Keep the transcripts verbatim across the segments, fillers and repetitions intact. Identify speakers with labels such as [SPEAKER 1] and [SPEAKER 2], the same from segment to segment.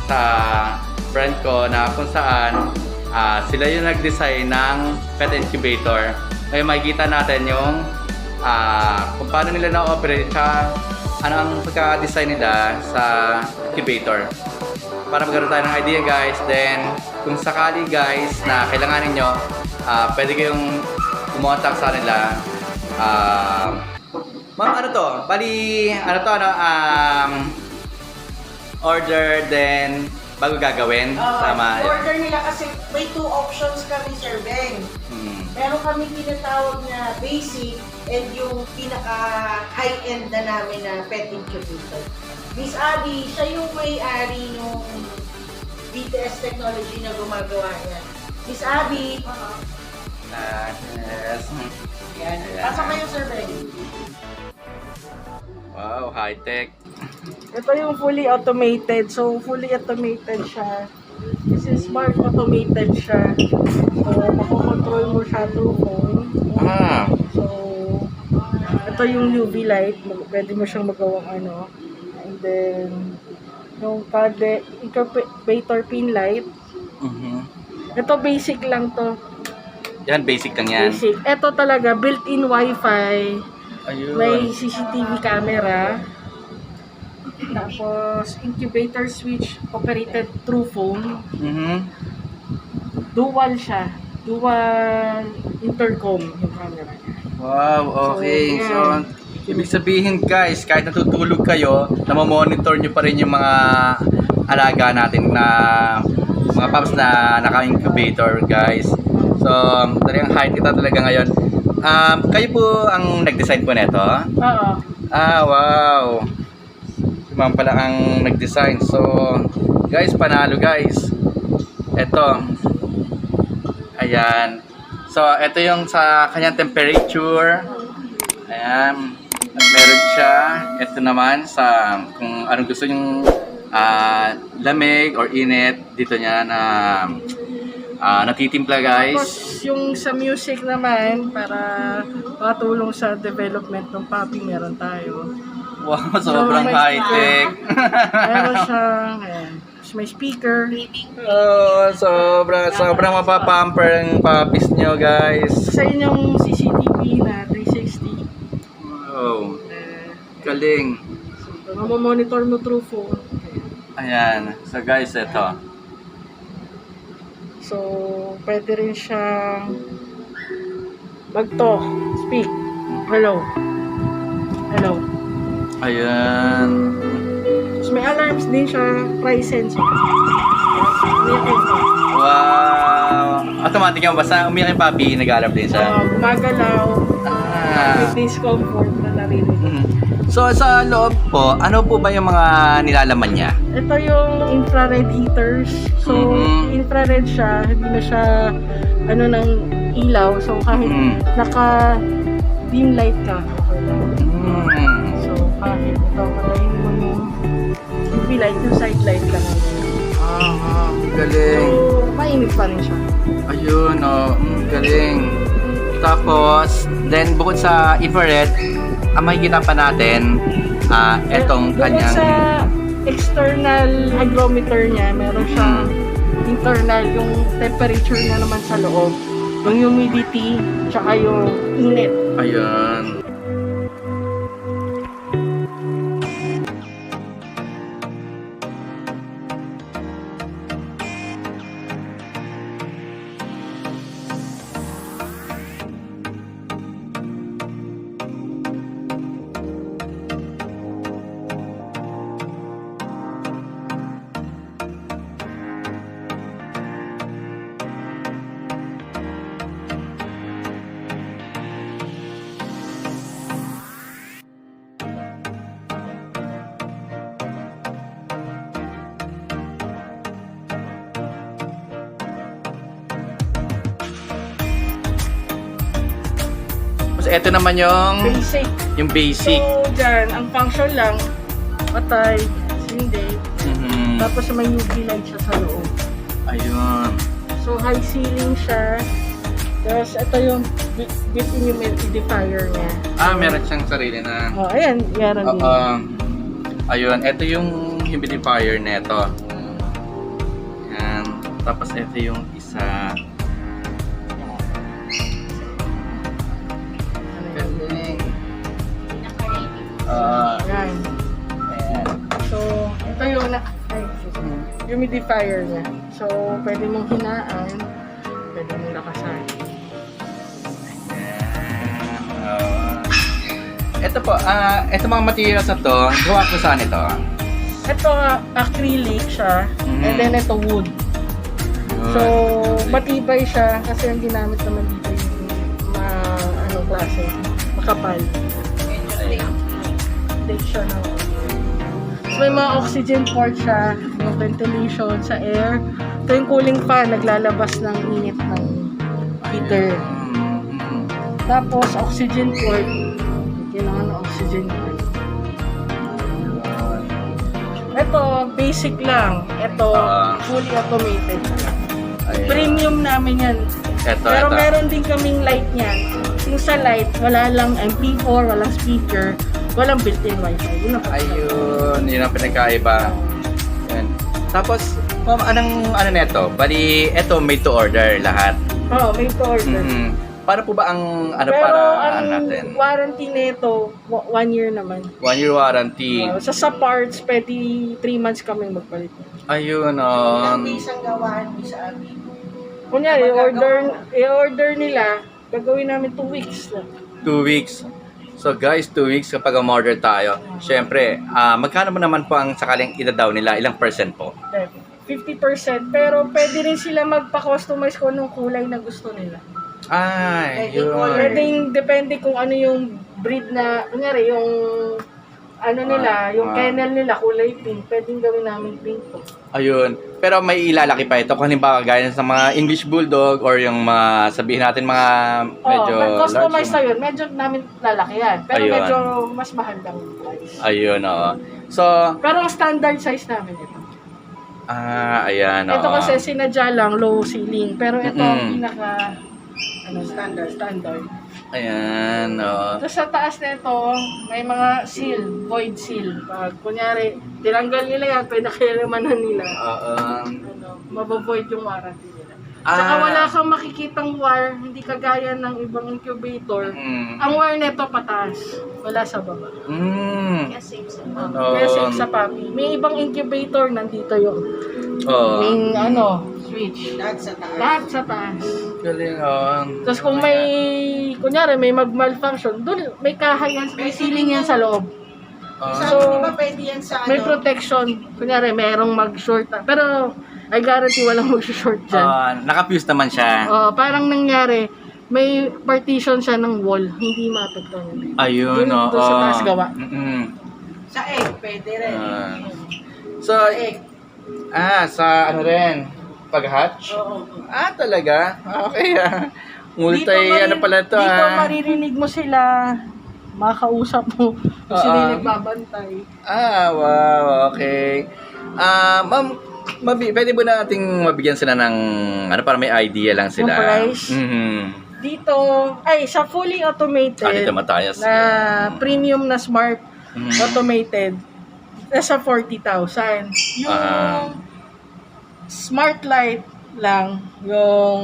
[SPEAKER 1] sa friend ko na kung saan uh, sila yung nag-design ng pet incubator. Ngayon makikita natin yung uh, kung paano nila na-operate siya, ano ang pagka-design nila sa incubator. Para magkaroon tayo ng idea guys, then kung sakali guys na kailangan ninyo, uh, pwede kayong kumontak sa nila. Uh, Ma'am, ano to? Bali, ano to, ano, um, order, then bago gagawin.
[SPEAKER 2] Uh,
[SPEAKER 1] Tama.
[SPEAKER 2] Order nila kasi may two options kami, Sir Ben.
[SPEAKER 1] Hmm.
[SPEAKER 2] Meron kami tinatawag na basic and yung pinaka-high-end na namin na pet incubator. Miss Abby, siya yung may-ari ng B T S technology na gumagawa niya. Miss Abby, uh-huh.
[SPEAKER 1] Uh, yes.
[SPEAKER 2] Yan.
[SPEAKER 1] Ayan.
[SPEAKER 2] Pasok kayo, Sir Ben.
[SPEAKER 1] Wow, high-tech.
[SPEAKER 2] Ito yung fully automated. So, fully automated siya. This is smart automated siya. So, makokontrol mo siya through phone.
[SPEAKER 1] Ah.
[SPEAKER 2] So, ito yung U V light. Pwede mo siyang magawang ano. And then, yung pade, incubator pin light.
[SPEAKER 1] Mm-hmm.
[SPEAKER 2] Ito basic lang to.
[SPEAKER 1] Yan, basic lang yan.
[SPEAKER 2] Basic. Ito talaga, built-in wifi.
[SPEAKER 1] Ayun.
[SPEAKER 2] May C C T V camera. Tapos, incubator switch operated through phone.
[SPEAKER 1] Mm-hmm.
[SPEAKER 2] Dual siya. Dual intercom yung camera niya.
[SPEAKER 1] Wow, okay.
[SPEAKER 2] So,
[SPEAKER 1] So, ibig sabihin guys, kahit natutulog kayo, namamonitor nyo pa rin yung mga alaga natin na mga pups na naka-incubator guys. So, talagang height ito talaga ngayon. Um, kayo po ang nag-design po nito?
[SPEAKER 2] Oo.
[SPEAKER 1] Ah, wow. Si ma'am pala ang nag-design. So, guys, panalo guys. Ito. Ayan. So, ito yung sa kanyang temperature. Ayan. At meron siya. Ito naman sa kung anong gusto yung uh, lamig or init. Dito niya na uh, natitimpla guys.
[SPEAKER 2] Tapos, yung sa music naman, para makatulong sa development ng puppy, meron tayo.
[SPEAKER 1] Wow, sobrang
[SPEAKER 2] may
[SPEAKER 1] high-tech.
[SPEAKER 2] Meron siyang, ayan. Tapos may speaker.
[SPEAKER 1] Oh, sobra, sobrang mapapamper ang puppies nyo, guys.
[SPEAKER 2] Sa inyong C C T V na three sixty.
[SPEAKER 1] Wow,
[SPEAKER 2] Uh,
[SPEAKER 1] galing.
[SPEAKER 2] so, mamamonitor mo through phone.
[SPEAKER 1] Ayan, so guys, ito.
[SPEAKER 2] So, pwede rin siyang mag-talk, speak. Hello. Hello.
[SPEAKER 1] Ayan.
[SPEAKER 2] Tapos may alarms din siya, price sensor. Umiyakin ka.
[SPEAKER 1] Wow. Automatic yung basta umiyak yung puppy, nag-aalap din siya.
[SPEAKER 2] Uh, gumagalaw.
[SPEAKER 1] Ah.
[SPEAKER 2] With discomfort na narinig.
[SPEAKER 1] Mhm. So, sa loob po, ano po ba yung mga nilalaman niya?
[SPEAKER 2] Ito yung infrared heaters. So,
[SPEAKER 1] Mhm.
[SPEAKER 2] infrared siya, hindi na siya ano ng ilaw. So, kahit
[SPEAKER 1] Mhm.
[SPEAKER 2] naka dim light ka, okay lang.
[SPEAKER 1] Hmm.
[SPEAKER 2] So, kahit ito, katayin mo yung U V light, yung side light lang.
[SPEAKER 1] Ah,
[SPEAKER 2] So,
[SPEAKER 1] galing.
[SPEAKER 2] mainit pa rin siya.
[SPEAKER 1] Ayun, oh, mm, galing. Tapos, then bukod sa infrared, ang makikita pa natin, ah, etong
[SPEAKER 2] Bukod
[SPEAKER 1] kanyang...
[SPEAKER 2] sa external hygrometer niya, meron siyang internal, yung temperature niya naman sa loob. Yung humidity, tsaka yung init.
[SPEAKER 1] Ayun. Tapos ito naman yung
[SPEAKER 2] Basic.
[SPEAKER 1] yung basic.
[SPEAKER 2] So, dyan, ang function lang, patay, hindi.
[SPEAKER 1] Mhm.
[SPEAKER 2] Tapos may U V light siya sa loob.
[SPEAKER 1] Ayun.
[SPEAKER 2] So, high ceiling siya. Tapos, ito yung bu- built-in humidifier niya.
[SPEAKER 1] Ah, meron siyang sarili na.
[SPEAKER 2] Oh, ayan, meron din.
[SPEAKER 1] Oo. Ayun, ito yung humidifier neto. Tapos ito yung isa. Galing. Ah,
[SPEAKER 3] Yan.
[SPEAKER 1] ayan.
[SPEAKER 3] So, ito yung na ay, excuse me, humidifier niya. So, pwede mong hinaan, pwede mong lakasan.
[SPEAKER 1] Ayan. Ah. Ito po, ah, ito mga materials na to, gawa ko saan ito?
[SPEAKER 3] Ito, acrylic siya,
[SPEAKER 1] Mhm.
[SPEAKER 3] and then ito wood. So, matibay siya kasi ang ginamit naman dito yung ma, ano klase, makapal. Take siya na. So, may mga oxygen port siya, yung ventilation sa air. Ito yung cooling fan, naglalabas ng init ng heater.
[SPEAKER 1] Mm.
[SPEAKER 3] Tapos, oxygen port. Kailangan ng oxygen port. Ito, basic lang. Ito,
[SPEAKER 1] Ah.
[SPEAKER 3] fully automated.
[SPEAKER 1] Ayan.
[SPEAKER 3] Premium namin yan.
[SPEAKER 1] Ito,
[SPEAKER 3] Pero
[SPEAKER 1] ito.
[SPEAKER 3] meron din kaming light niyan. Yung sa light, wala lang M P four, walang speaker, walang built-in wifi. Yun ang
[SPEAKER 1] Ayun, yun ang pinagkaiba. Yan. Tapos, ma'am, anong ano neto? Bali, eto made to order lahat.
[SPEAKER 3] Oo, oh, may order.
[SPEAKER 1] Mhm. Paano po ba ang ano
[SPEAKER 3] Pero
[SPEAKER 1] para
[SPEAKER 3] ang
[SPEAKER 1] ano natin?
[SPEAKER 3] warranty nito, wa- one year naman.
[SPEAKER 1] One year warranty.
[SPEAKER 3] Uh, sa sa parts, pwede three months kami magpalit.
[SPEAKER 1] Ayun,
[SPEAKER 2] Ilang
[SPEAKER 1] um,
[SPEAKER 2] days ang gawaan, Miss Abby?
[SPEAKER 3] Kunyari,
[SPEAKER 2] Magagawa
[SPEAKER 3] order,
[SPEAKER 2] mo.
[SPEAKER 3] i-order nila, gagawin namin two weeks lang.
[SPEAKER 1] two weeks. So guys, two weeks kapag umorder tayo. Syempre, ah magkano mo naman po ang sakaling idadaw nila? Ilang percent po?
[SPEAKER 3] fifty percent, pero pwede rin sila magpa-customize kung anong kulay na gusto nila.
[SPEAKER 1] Ay,
[SPEAKER 2] Pwede
[SPEAKER 1] yun.
[SPEAKER 2] color.
[SPEAKER 3] Pwede depende kung ano yung breed na, kunyari, yung ano nila,
[SPEAKER 1] Ah,
[SPEAKER 3] yung
[SPEAKER 1] ah.
[SPEAKER 3] kennel nila, kulay pink, pwedeng gawin namin pink po.
[SPEAKER 1] Ayun. Pero may ilalaki pa ito. Kung halimbawa, gaya sa mga English Bulldog or yung mga, sabihin natin mga medyo
[SPEAKER 3] oh, customize
[SPEAKER 1] large.
[SPEAKER 3] na yun, medyo namin lalaki yan. Pero
[SPEAKER 1] Ayun.
[SPEAKER 3] medyo mas mahal lang yung price.
[SPEAKER 1] Ayun, oo. So,
[SPEAKER 3] Pero ang standard size namin ito.
[SPEAKER 1] ah, ayan, oo.
[SPEAKER 3] Ito kasi sinadya lang, low ceiling. Pero ito ang
[SPEAKER 1] Mm-mm.
[SPEAKER 3] pinaka ano, standard. standard.
[SPEAKER 1] Ayan, oo.
[SPEAKER 3] Tapos sa taas na ito, may mga seal, void seal. Pag kunyari, tinanggal nila yan, pwede kailanmanan nila.
[SPEAKER 1] Oo.
[SPEAKER 3] Ano, mabavoid yung warranty nila.
[SPEAKER 1] Ah.
[SPEAKER 3] Saka wala kang makikitang wire, hindi kagaya ng ibang incubator.
[SPEAKER 1] Mm.
[SPEAKER 3] Ang wire nito pataas, wala sa baba.
[SPEAKER 1] Mm.
[SPEAKER 2] Kaya safe sa
[SPEAKER 3] Uh,
[SPEAKER 1] Oo.
[SPEAKER 3] Kaya safe sa papi. May ibang incubator, nandito yung
[SPEAKER 1] Oo.
[SPEAKER 3] main ano, switch.
[SPEAKER 2] Lahat sa taas.
[SPEAKER 3] Lahat sa taas.
[SPEAKER 1] Galing, oo.
[SPEAKER 3] Tapos kung may, kunyari may mag-malfunction, doon may kahay yan, may ceiling yan sa loob.
[SPEAKER 1] Ah.
[SPEAKER 2] Sabi
[SPEAKER 3] So,
[SPEAKER 2] di ba pwede yan sa
[SPEAKER 3] May
[SPEAKER 2] ano?
[SPEAKER 3] protection. Kunyari, merong mag-short. Pero, I guarantee walang mag-short dyan.
[SPEAKER 1] Ah, naka-fuse naman siya.
[SPEAKER 3] Oh, parang nangyari, may partition siya ng wall, hindi maapektuhan.
[SPEAKER 1] Ayun,
[SPEAKER 3] Dun-
[SPEAKER 1] oo.
[SPEAKER 3] dun sa taas gawa.
[SPEAKER 1] Mm-mm.
[SPEAKER 2] Sa egg, pwede rin.
[SPEAKER 1] Ah. So,
[SPEAKER 2] Sa egg.
[SPEAKER 1] ah, sa ano rin, pag-hatch?
[SPEAKER 2] Oo.
[SPEAKER 1] Ah, talaga? Okay, ah. Multi,
[SPEAKER 3] mari-
[SPEAKER 1] ano pala to,
[SPEAKER 3] dito
[SPEAKER 1] ah.
[SPEAKER 3] maririnig mo sila, makausap mo, kung sila
[SPEAKER 1] Oo.
[SPEAKER 3] yung nagbabantay.
[SPEAKER 1] Ah, wow, okay. Ah, ma'am, mabi, pwede ba nating mabigyan sila ng, ano, para may idea lang sila?
[SPEAKER 3] Ng price?
[SPEAKER 1] Mhm.
[SPEAKER 3] Dito, ay, sa fully automated,
[SPEAKER 1] Ah, dito matayas.
[SPEAKER 3] na premium na smart
[SPEAKER 1] Mhm.
[SPEAKER 3] automated, nasa forty thousand. Yung
[SPEAKER 1] Ah.
[SPEAKER 3] smart light lang, yung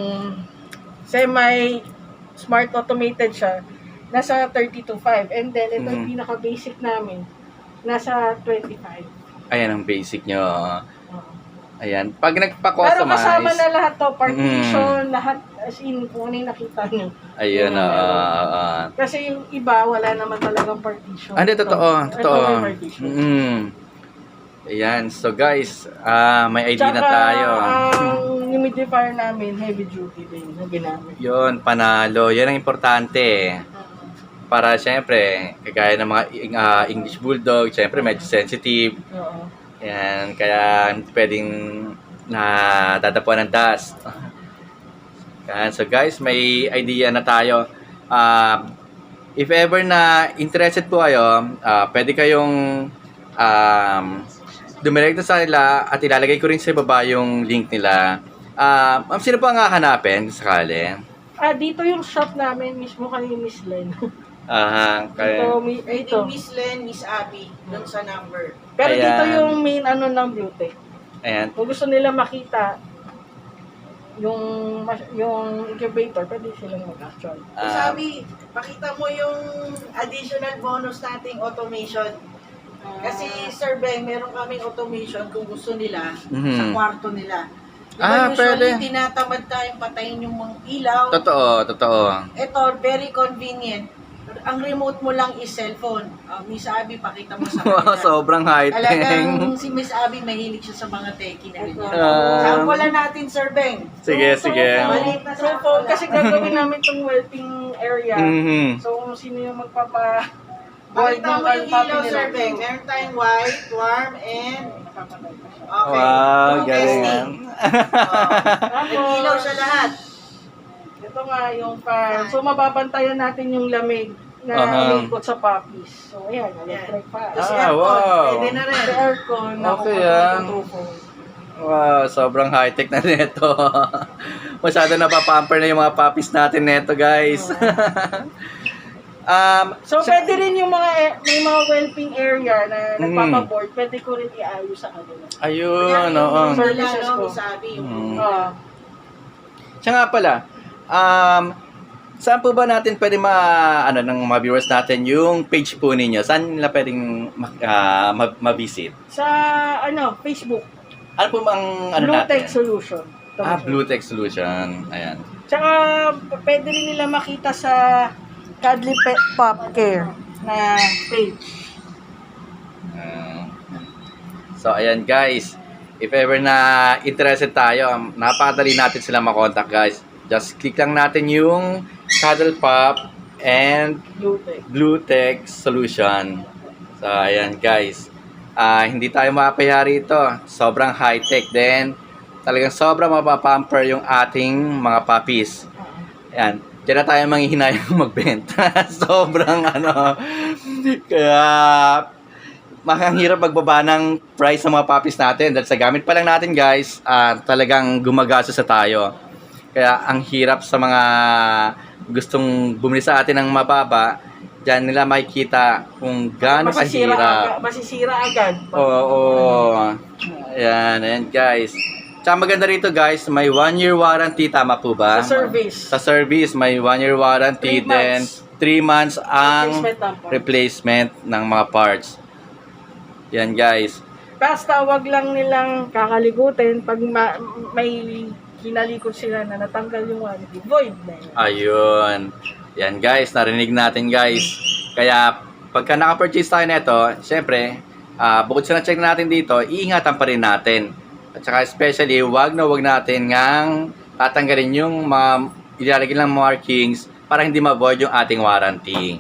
[SPEAKER 3] semi smart automated siya, nasa thirty to five. And then, ito yung
[SPEAKER 1] Mhm.
[SPEAKER 3] pinaka-basic namin, nasa twenty-five.
[SPEAKER 1] Ayan ang basic nyo.
[SPEAKER 3] Oo.
[SPEAKER 1] Ayan. Pag
[SPEAKER 3] Pero
[SPEAKER 1] nagpa-customize.
[SPEAKER 3] kasama na lahat to, partition,
[SPEAKER 1] Mm.
[SPEAKER 3] lahat, as in, kung ano yung nakita nyo.
[SPEAKER 1] Ayun,
[SPEAKER 3] Yun ang
[SPEAKER 1] oo.
[SPEAKER 3] meron.
[SPEAKER 1] oo.
[SPEAKER 3] Kasi yung iba, wala naman talagang partition.
[SPEAKER 1] Ah, hindi, totoo.
[SPEAKER 3] Ito,
[SPEAKER 1] Totoo.
[SPEAKER 3] Ito may partition.
[SPEAKER 1] Mm. Ayan. So, guys, ah may idea na
[SPEAKER 3] Tsaka,
[SPEAKER 1] tayo.
[SPEAKER 3] ang humidifier namin, heavy duty din, yung ginamit.
[SPEAKER 1] Yun, panalo. Yan ang importante. Para, syempre, kagaya ng mga ah, English Bulldog, syempre, medyo sensitive.
[SPEAKER 3] Oo.
[SPEAKER 1] Ayan, kaya hindi pwedeng nadadapuan ng dust. Ayan, so guys, may idea na tayo. Ah, if ever na interested po kayo, ah, pwede kayong um, dumirekta sa nila at ilalagay ko rin sa baba yung link nila. Ah, ma'am, sino po ang hahanapin sakali?
[SPEAKER 3] Ah, dito yung shop namin, mismo kay Miss Len.
[SPEAKER 1] Ah,
[SPEAKER 3] Ito,
[SPEAKER 1] kaya,
[SPEAKER 3] mi-
[SPEAKER 2] Pwede
[SPEAKER 3] ito.
[SPEAKER 2] Miss Len, Miss Abby, doon sa number.
[SPEAKER 3] Pero
[SPEAKER 1] Ayan.
[SPEAKER 3] dito yung main ano ng Blue Tech.
[SPEAKER 1] ayan.
[SPEAKER 3] Kung gusto nila makita, yung mas- yung incubator, pwede silang mag-actual.
[SPEAKER 1] Ah,
[SPEAKER 2] Sabi, pakita mo yung additional bonus nating automation. Kasi Sir Ben, meron kaming automation kung gusto nila
[SPEAKER 1] Mhm.
[SPEAKER 2] sa kwarto nila. Diba
[SPEAKER 1] Ah,
[SPEAKER 2] usually,
[SPEAKER 1] pwede.
[SPEAKER 2] tinatamad tayong patayin yung mga ilaw.
[SPEAKER 1] totoo, totoo.
[SPEAKER 2] Ito, very convenient. Ang remote mo lang is cellphone. Uh, Miss Abby, pakita mo sa
[SPEAKER 1] Wow,
[SPEAKER 2] kanila.
[SPEAKER 1] sobrang high-tech.
[SPEAKER 2] Talagang si Miss Abby mahilig siya sa mga techie na ganyan.
[SPEAKER 1] Ah.
[SPEAKER 2] Sample natin, Sir Ben.
[SPEAKER 1] Sige,
[SPEAKER 3] So,
[SPEAKER 1] sige.
[SPEAKER 3] so,
[SPEAKER 2] Maliit na
[SPEAKER 3] so,
[SPEAKER 2] sample lang.
[SPEAKER 3] kasi gagawin namin itong wellping area.
[SPEAKER 1] Mhm.
[SPEAKER 3] So, kung sino yung magpapa
[SPEAKER 2] Pakita mo yung
[SPEAKER 3] puppy
[SPEAKER 2] ilaw,
[SPEAKER 3] nila.
[SPEAKER 2] Sir Ben. Meron tayong white, warm, and...
[SPEAKER 3] Papatay pa siya.
[SPEAKER 2] Okay.
[SPEAKER 1] Wow,
[SPEAKER 2] Yung
[SPEAKER 1] galing.
[SPEAKER 2] testing. Oh. Nag-ilaw siya lahat.
[SPEAKER 3] Ito nga yung fan. So, mababantayan natin yung lamig na
[SPEAKER 1] Aha.
[SPEAKER 3] umiikot sa puppies. So, ayan, electric fan.
[SPEAKER 2] Tapos
[SPEAKER 1] Ah,
[SPEAKER 2] aircon,
[SPEAKER 1] wow.
[SPEAKER 2] pwede na rin.
[SPEAKER 3] Sa aircon na
[SPEAKER 1] Okay,
[SPEAKER 3] kukontrol
[SPEAKER 1] ah.
[SPEAKER 3] yung tufo.
[SPEAKER 1] Wow, sobrang high-tech na nito. Masyado napapamper na yung mga puppies natin neto, guys. um,
[SPEAKER 3] So,
[SPEAKER 1] sa-
[SPEAKER 3] pwede rin yung mga, air- may mga wellping area na
[SPEAKER 1] Mm.
[SPEAKER 3] nagpapaboard, pwede ko rin iayos sa kanila.
[SPEAKER 1] Ayun,
[SPEAKER 2] Yan,
[SPEAKER 1] oo.
[SPEAKER 2] yung
[SPEAKER 3] Services
[SPEAKER 2] nila, no,
[SPEAKER 3] ko.
[SPEAKER 2] Miss Abby, yung
[SPEAKER 1] Mm.
[SPEAKER 3] Ah,
[SPEAKER 1] Siya nga pala, um, saan po ba natin pwede ma, ano, ng mga viewers natin yung page po ninyo? Saan nila pwedeng ma- ah, ma- ma-visit?
[SPEAKER 3] sa, ano, Facebook,
[SPEAKER 1] Ano po ang ano
[SPEAKER 3] Blue
[SPEAKER 1] natin?
[SPEAKER 3] Tech Solution. Ito
[SPEAKER 1] Ah,
[SPEAKER 3] siya.
[SPEAKER 1] Blue Tech Solution. Ayan.
[SPEAKER 3] Tsaka, p- pwede rin nila makita sa Cuddly Pet Pop Care na page.
[SPEAKER 1] Ah. So, ayan guys. If ever na interested tayo, napakadali natin sila makontak guys. Just click lang natin yung Cuddle Pop and
[SPEAKER 3] Blue Tech.
[SPEAKER 1] Blue Tech Solution. So, ayan guys. Ah, hindi tayo makapaya rito. Sobrang high-tech din. Talagang sobrang mapapamper yung ating mga puppies. Ayan. Diyan na tayo manghihinayang magbenta. Sobrang ano. Kaya, makahirap magbaba ng price ng mga puppies natin. Dahil sa gamit pa lang natin guys, ah, talagang gumagastos sa tayo. Kaya ang hirap sa mga gustong bumili sa atin ng mababa, diyan nila makikita kung gaano
[SPEAKER 3] Masisira
[SPEAKER 1] kahirap.
[SPEAKER 3] agad. Masisira agad.
[SPEAKER 1] Oo, oo. Ayan, ayan guys. Tsaka maganda rito guys, may one year warranty, tama po ba?
[SPEAKER 3] Sa service.
[SPEAKER 1] Sa service, may one year warranty,
[SPEAKER 3] Three
[SPEAKER 1] then
[SPEAKER 3] months.
[SPEAKER 1] three months ang
[SPEAKER 3] Replacement ng parts.
[SPEAKER 1] replacement ng mga parts. Yan guys.
[SPEAKER 3] Basta wag lang nilang kakalikutin pag ma- may kinalikot sila na natanggal yung warranty. Void na yun.
[SPEAKER 1] Ayun. Yan guys, narinig natin guys. Kaya pagka naka-purchase tayo nito, syempre, ah, bukod sa na-check natin dito, iingatan pa rin natin. At saka especially, wag na wag natin ngang tatanggalin yung mga ilalagay lang markings para hindi ma-void yung ating warranty.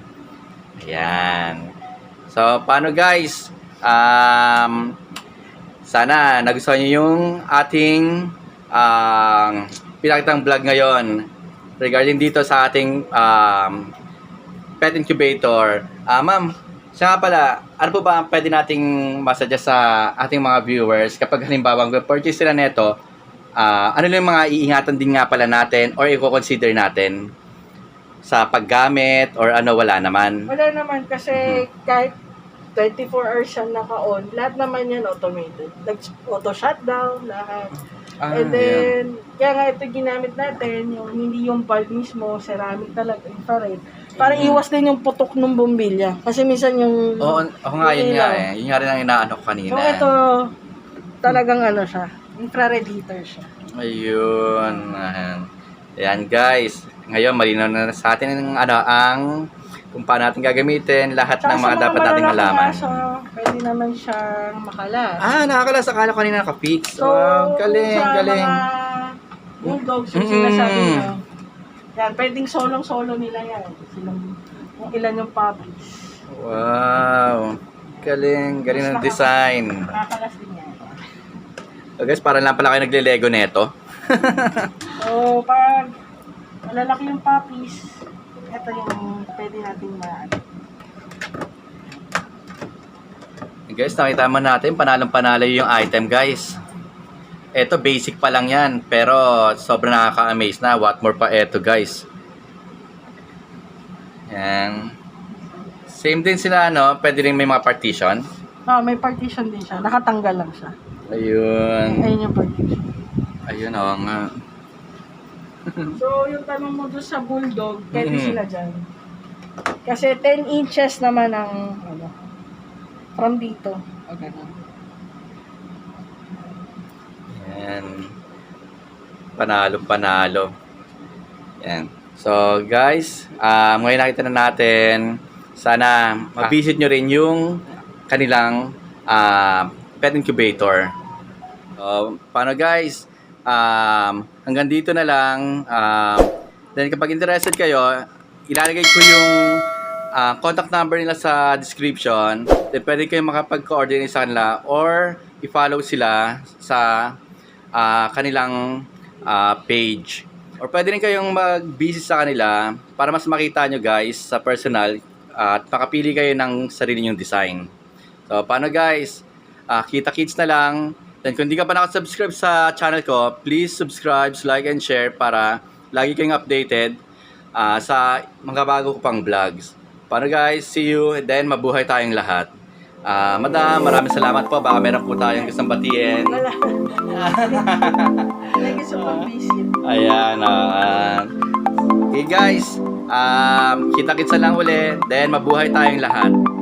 [SPEAKER 1] Ayan. So, paano guys? Um, sana nagustuhan nyo yung ating um, pinakitang vlog ngayon regarding dito sa ating um, pet incubator. Ah, ma'am, siya nga pala, ano po ba ang pwede nating masuggest sa ating mga viewers kapag halimbawa purchase sila neto, ah, ano lang yung mga iingatan din nga pala natin or i-consider natin sa paggamit or ano, wala naman?
[SPEAKER 3] Wala naman kasi kahit twenty-four hours siya naka-on, lahat naman yan automated. Nag-auto-shutdown, lahat.
[SPEAKER 1] Ah,
[SPEAKER 3] And then, kaya nga ito ginamit natin, yung hindi yung bulb mismo, ceramic talaga, infrared. Para iwas din yung putok ng bombilya. Kasi minsan yung...
[SPEAKER 1] Oo, ako nga yun
[SPEAKER 3] yung
[SPEAKER 1] nga
[SPEAKER 3] ilaw.
[SPEAKER 1] eh. Yun nga rin ang inaano ko kanina.
[SPEAKER 3] So ito, talagang ano siya, infrared heater siya.
[SPEAKER 1] Ayun. Ayan. Ayan guys. Ngayon, malinaw na sa atin ang, ano, ang kung paano natin gagamitin lahat
[SPEAKER 3] Tsaka
[SPEAKER 1] ng
[SPEAKER 3] sa
[SPEAKER 1] mga dapat nating
[SPEAKER 3] malalaking
[SPEAKER 1] malaman.
[SPEAKER 3] aso, pwede naman siyang makalas.
[SPEAKER 1] Ah, nakakalas. Akala ko kanina naka-fix.
[SPEAKER 3] So,
[SPEAKER 1] Wow, galing,
[SPEAKER 3] sa
[SPEAKER 1] galing.
[SPEAKER 3] mga bulldogs yung
[SPEAKER 1] Mm.
[SPEAKER 3] sinasabi nyo, yan, pwedeng solong-solo nila yan. Silang, kung ilan yung puppies.
[SPEAKER 1] Wow. Galing, galing ng design.
[SPEAKER 3] Nakakalas din yan.
[SPEAKER 1] So guys, parang lang pala kayo nagle-lego neto.
[SPEAKER 3] So, pag malalaki yung puppies, ito yung pwede natin ma
[SPEAKER 1] Guys, nakita mo natin, panalong-panalo yung item, guys. Ito, basic pa lang yan. Pero, sobrang nakaka-amaze na. What more pa ito, guys. Yan. Same din sila, no? Pwede rin may mga partition.
[SPEAKER 3] Ah, may partition din siya. Nakatanggal lang siya.
[SPEAKER 1] Ayun.
[SPEAKER 3] Ayun yung partition.
[SPEAKER 1] Ayun, oo nga.
[SPEAKER 3] So, yung tanong mo doon sa bulldog, pwede
[SPEAKER 1] Mhm.
[SPEAKER 3] sila dyan. Kasi ten inches naman ang, ano, from dito. O, ganun.
[SPEAKER 1] Yan. Panalo, panalo. Yan. So, guys, ah ngayon nakita na natin, sana ma-visit nyo rin yung kanilang ah, pet incubator. So, paano guys? Um, hanggang dito na lang. Um, then kapag interested kayo, ilalagay ko yung ah, contact number nila sa description. Then pwede kayong makapag-coordinate sa kanila or i-follow sila sa ah, kanilang ah, page. Or pwede rin kayong mag-visit sa kanila para mas makita nyo guys sa personal at makapili kayo ng sarili nyong design. So, paano guys? Ah, kita-kits na lang. Then kung di ka pa nakasubscribe sa channel ko, please subscribe, like, and share para lagi kayong updated ah, sa mga bago ko pang vlogs. Paano guys? See you. And then mabuhay tayong lahat. Ah, madam, maraming salamat po. Baka meron po tayong gustong batiin.
[SPEAKER 3] Wala. Thank you sa pag-visit.
[SPEAKER 1] Ayan. ah, okay guys. Um, kita-kits na lang ulit. Then mabuhay tayong lahat.